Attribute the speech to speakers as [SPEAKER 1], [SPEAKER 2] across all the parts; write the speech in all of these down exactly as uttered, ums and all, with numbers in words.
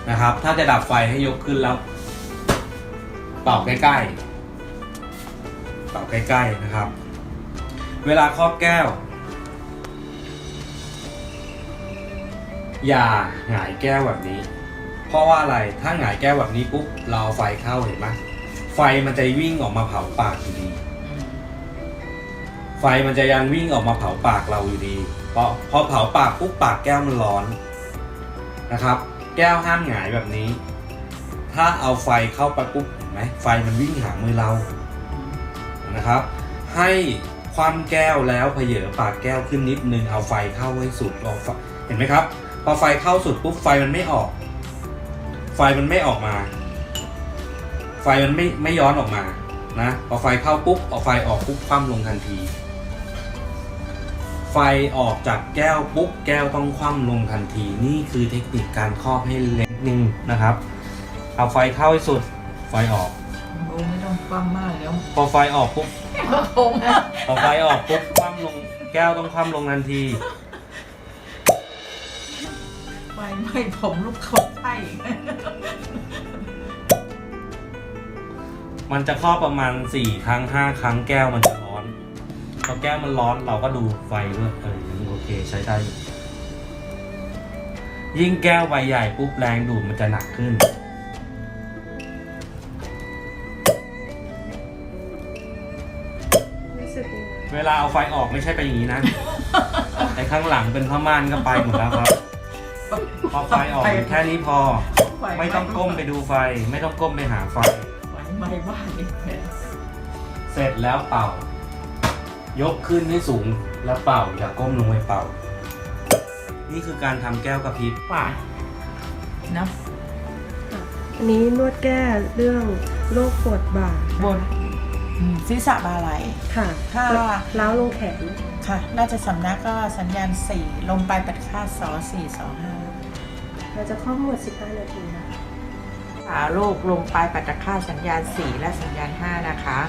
[SPEAKER 1] นะครับถ้าจะดับไฟให้ยกขึ้นแล้วเป่าใกล้ๆเป่าใกล้ๆนะครับเวลาครอบแก้วอย่าหงายแก้วแบบนี้เพราะว่าอะไรถ้าหงายแก้วแบบนี้ปุ๊บเราเอาไฟเข้าเห็นไหมไฟมันจะวิ่งออกมาเผาปากอยู่ดีไฟมันจะยังวิ่งออกมาเผาปากเราอยู่ดีเพราะพอเผาปากปุ๊บปากแก้วมันร้อนนะครับแก้วห้ามหงายแบบนี้ถ้าเอาไฟเข้าไปปุ๊บเห็นไหมไฟมันวิ่งหามือเรานะครับให้คว่ำแก้วแล้วเผยปากแก้วขึ้นนิดนึงเอาไฟเข้าให้สุดเห็นไหมครับพอไฟเข้าสุดปุ๊บไฟมันไม่ออกไฟมันไม่ออกมาไฟมันไม่ไม่ย้อนออกมานะพอไฟเข้าปุ๊บเอาไฟออกปุ๊บคว่ำลงทันทีไฟออกจากแก้วปุ๊บแก้วต้องคว่ำลงทันทีนี่คือเทคนิคการครอบให้เล็กนึงนะครับเอาไฟเข้าให้สุดไฟออก
[SPEAKER 2] โอ้ไม่ต้องคว่ำมากแล้ว
[SPEAKER 1] พอไฟออกปุ๊บพอไฟออกปุ๊บคว่ำลงแก้วต้องคว่ำลงทันที
[SPEAKER 2] ไฟไหม้ผมลูกเขาไส้
[SPEAKER 1] มันจะครอบประมาณสี่ครั้งห้าครั้งแก้วมันจะร้อนพอแก้วมันร้อนเราก็ดูไฟด้วยเออโอเคใช้ได้ยิ่งแก้วใบใหญ่ปุ๊บแรงดูดมันจะหนักขึ้นเวลาเอาไฟออกไม่ใช่ไปอย่างนี้นะแต่ข้างหลังเป็นผ้าม่านก็ไปหมดแล้วครับพอไฟออกแค่นี้พอไม่ต้องก้มไปดูไฟไม่ต้องก้มไปหาไฟ
[SPEAKER 2] ไม่บ้านนี่
[SPEAKER 1] เสร็จแล้วเป่ายกขึ้นให้สูงแล้วเป่าอย่าก้มลงไปเป่านี่คือการทำแก้วกระพริบ
[SPEAKER 2] ป่านะ
[SPEAKER 3] อันนี้นวดแก้เรื่องโรคปวดบ่า
[SPEAKER 2] บนศีรษะบ่าไหล
[SPEAKER 3] ค่ะ
[SPEAKER 2] ถ้า
[SPEAKER 3] ล้าวลงแขน
[SPEAKER 2] ค่ะน่าจะสำนักก็สัญญาณสี่ลมปลายปัดค่าสอสี่สอห้า
[SPEAKER 3] เราจะเข้าหมดสิบห้านาทีนะคะ
[SPEAKER 2] ขาโรคลมปลายปัดค่าสัญญาณสี่และสัญญาณห้านะคะ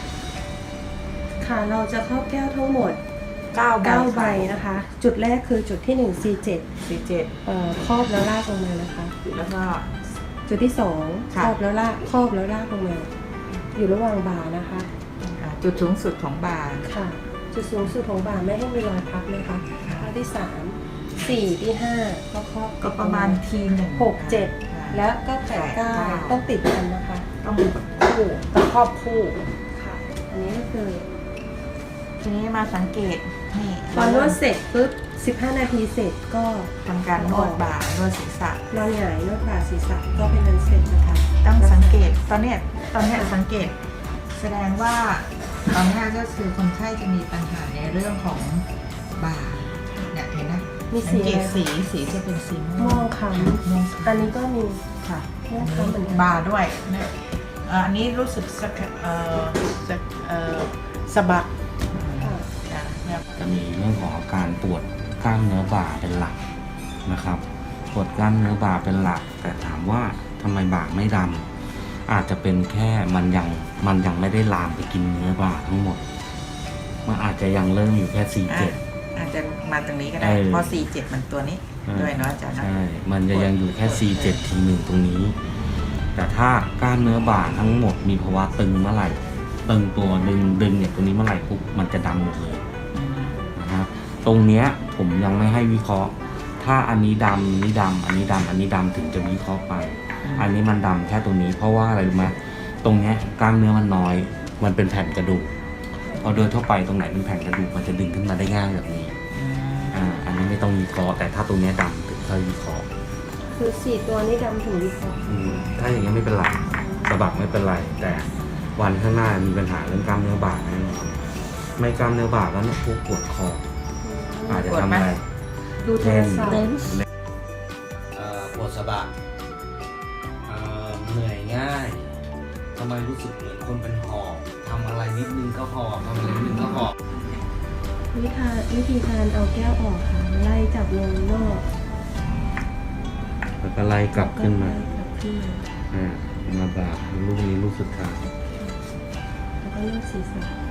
[SPEAKER 3] ค่ะเราจะครอบแก้วทั้งหมด
[SPEAKER 2] เก้า
[SPEAKER 3] ใบนะคะจุดแรกคือจุดที่หนึ่ง ซี เจ็ด
[SPEAKER 2] ซี เจ็ด
[SPEAKER 3] เอ่อครอบแล้วลากลงมานะคะ
[SPEAKER 2] แล้วก็
[SPEAKER 3] จุดที่สองครอบแล้วลากครอบแล้วลากลงมาอยู่ระหว่างบ่านะคะ
[SPEAKER 2] จุดสูงสุดของบ่า
[SPEAKER 3] ค่ะจุดสูงสุดของบ่าไม่ให้มีรอยพับนะคะข้อที่สามสี่ที่ห้าก็ครอบ
[SPEAKER 2] ก็ประมาณทีหนึ่ง
[SPEAKER 3] หกเจ็ดแล้วก็แปดเก้าต้องติดกันนะคะ
[SPEAKER 2] ต้องคู่ต้องครอบคู่
[SPEAKER 3] ค่ะอันนี้ก็คือ
[SPEAKER 2] ทีนี้มาสังเกตนี่
[SPEAKER 3] พอนวดเสร็จปุ๊บสิบห้านาทีเสร็จก็
[SPEAKER 2] ทำการนวดบ่านวดศีรษะ
[SPEAKER 3] นอนหงายนวดบ่าศีรษะก็เป็นอันเสร็จนะคะ
[SPEAKER 2] ต้องสังเกตตอนนี้ตอนนี้สังเกตแสดงว่าตอนนี้ก็คือคนไข้จะมีปัญหาในเรื่องของบ่าเนี่ยเห็นไหม
[SPEAKER 3] มี
[SPEAKER 2] สังเกตสีสีจะเป็นสี
[SPEAKER 3] ม่วงคล้ำอันนี้ก็มี
[SPEAKER 2] ค่ะ
[SPEAKER 3] ม่วงคล้ำเหมือนกัน
[SPEAKER 2] บ่าด้วยเนี่ยอันนี้รู้สึกสักเอ่อสักเอ่อสะบัก
[SPEAKER 1] จะมีเรื่องของอาการปวดกล้ามเนื้อบ่าเป็นหลักนะครับปวดกล้ามเนื้อบ่าเป็นหลักแต่ถามว่าทำไมบ่าไม่ดำอาจจะเป็นแค่มันยังมันยังไม่ได้ลามไปกินเนื้อบ่าทั้งหมดมันอาจจะยังเริ่มอยู่แค่สี่เจ็ด
[SPEAKER 2] อาจจะมาตรงนี้ก็ได้เพราะสี่เจ็ดมันตัวนี้ด้วยเนาะอาจารย์
[SPEAKER 1] ใช่มันจะยังอยู่แค่สี่เจ็ดทีหนึ่งตรงนี้แต่ถ้ากล้ามเนื้อบ่าทั้งหมดมีภาวะตึงเมื่อไหร่ตึงตัวดึงดึงเนี่ยตัวนี้เมื่อไหร่ปุ๊บมันจะดำหมดเลยนะครับตรงเนี้ยผมยังไม่ให้วิเคราะห์ถ้าอันนี้ดำนี้ดำอันนี้ดำอันนี้ดำถึงจะวิเคราะห์ไปอันนี้มันดำแค่ตรงนี้เพราะว่าอะไรรู้ไหมตรงเนี้ยกล้ามเนื้อมันน้อยมันเป็นแผ่นกระดูกพอโดยทั่วไปตรงไหนเป็นแผ่นกระดูกมันจะดึงขึ้นมาได้ง่ายแบบนี้อ่าอันนี้ไม่ต้องวิเคราะห์แต่ถ้าตรงเนี้ยดำถึงค่อยวิเคราะห์
[SPEAKER 3] คือสี่ตัวนี้ดำถึงวิเคราะห์
[SPEAKER 1] ถ้าอย่างนี้ไม่เป็นไรสะบักไม่เป็นไรแต่วันข้างหน้ามีปัญหาเรื่องกล้ามเนื้อบ่าแน่นอนไม่กล้ามเนื้อบ่าแล้วเนี่ยพวกปวดคออาจจะทำอะไร
[SPEAKER 3] ดูเทนเล่น
[SPEAKER 1] ปวดสะบักเหนื่อยง่ายทำไมรู้สึกเหมือนคนเป็นหอบทำอะไรนิดนึงก็หอบทำอะไรนิดนึงก็หอบ
[SPEAKER 3] วิธีวิธีการเอาแก้วออกค่ะไล่จับลงนอก
[SPEAKER 1] แล้วก็ไล่กลับขึ้นมาอ่ามาบ่าลูกนี้ลูกสุดท้าย
[SPEAKER 3] แล้วก็เลือกศีรษะ